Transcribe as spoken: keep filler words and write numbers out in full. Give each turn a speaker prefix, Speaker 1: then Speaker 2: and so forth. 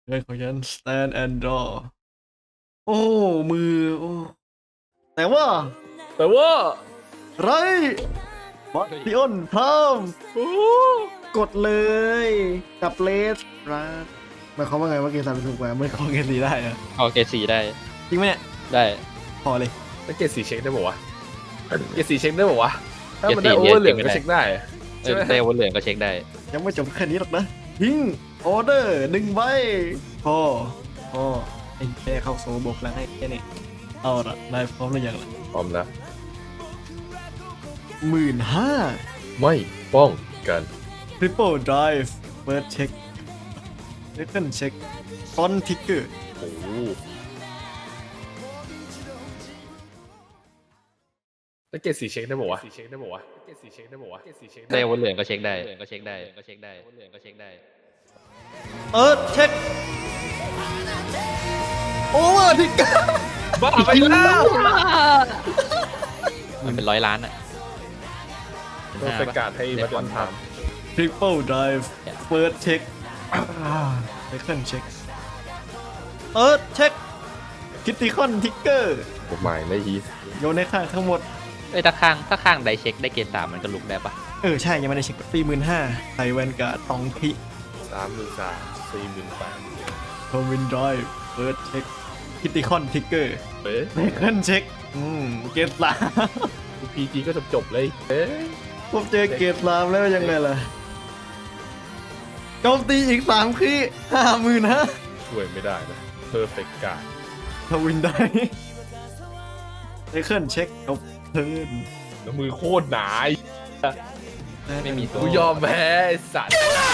Speaker 1: เงินของฉัน stand and draw โอ้มือโอ้แต่ว่า
Speaker 2: แต่ว่า
Speaker 1: ไรบัตติออนพร้อม
Speaker 2: โอ้
Speaker 1: กดเลยกับเลสรัสหมายความว่าไงว่าเกมสามเป็นถูกกว่าไม่ขอเกมสีได้เหรอ
Speaker 3: เอาเกรดสีได้
Speaker 1: จริงไหมเนี่ย
Speaker 3: ได้
Speaker 1: พอเลย
Speaker 2: แล้วเกรดสีเช็คได้ป่าวะเกรดสีเช็คได้ป่าวะถ้ามัน
Speaker 3: เกร
Speaker 2: ได้
Speaker 3: ด
Speaker 2: โอ
Speaker 3: สี
Speaker 2: เวอร์เหลือง
Speaker 3: เช็ค
Speaker 2: ก็
Speaker 3: ไม่ได้
Speaker 2: เช็คได้
Speaker 3: เออได้วนเหลืองก็เช็คได้
Speaker 1: ยังไม่จบแค่นี้หรอกนะทิ้งออเดอร์หนึ่งใบพอพอไอ้แค่เข้าโซบกแล้วให้แค่นี้เอาละนายพร้อมหรือยังล่ะ
Speaker 2: พร้อมแล้ว
Speaker 1: หมื่นห้า
Speaker 2: ไม่ป้องกัน
Speaker 1: Triple Drive First Check Second Check Font Ticker
Speaker 2: โอ้โหแล้วเกรดสีเช็คได้ป่าวะสีเช็คได้ป่าวะเกรดสีเช็คได้ป่าวะเกรดสีเช็ค
Speaker 3: ได้วนเหลืองก็เช็คได้ก็เช็คได้ก็เช็คได้วนเหลืองก็เช็คได้
Speaker 1: เออเช็คโอเวอร์ทิกเกอร์
Speaker 2: บ้าไปแล้ว
Speaker 3: มันเป็นร้อยล้านอ่ะ
Speaker 2: ก็เป็นการให้วัดวันท
Speaker 1: Triple Drive First Check Second Check Third Check Critical Ticker
Speaker 2: ำกฎหมายในฮีส
Speaker 1: โยนในข้างทั้งหมด
Speaker 3: เอ้ยถ้าข้างถ้าข้างไดเช็คได้เกรดสามมันก็ลุกได้ปะ
Speaker 1: เออ ใช่ ยังไม่ได้เช็คตีหมื่นห้าใส่แวนการ์ดตองพิ
Speaker 2: สามหมื่นสามสี่หมื่นแปด
Speaker 1: ทวินดรายเฟิร์สเช็คคิติคอนทิกเกอร์
Speaker 2: เอ๊ะ
Speaker 1: เซคันเช็คอืมเกตสาม
Speaker 2: พีจีก็จบจบๆเลยเอ๊ะ
Speaker 1: ผมเจอเกตสามแล้วยังไงล่ะโจมตีอีกสามคีห้าหมื่นฮะ
Speaker 2: ช่วยไม่ได้นะเพอร์เฟกต์การ์ด
Speaker 1: ทวินได้เซคันเช็คจบเทิร์น
Speaker 2: แล้วมือโคตรหนา
Speaker 3: ไม่มีตัว
Speaker 2: กูยอมแพ้ไอ้สัตว์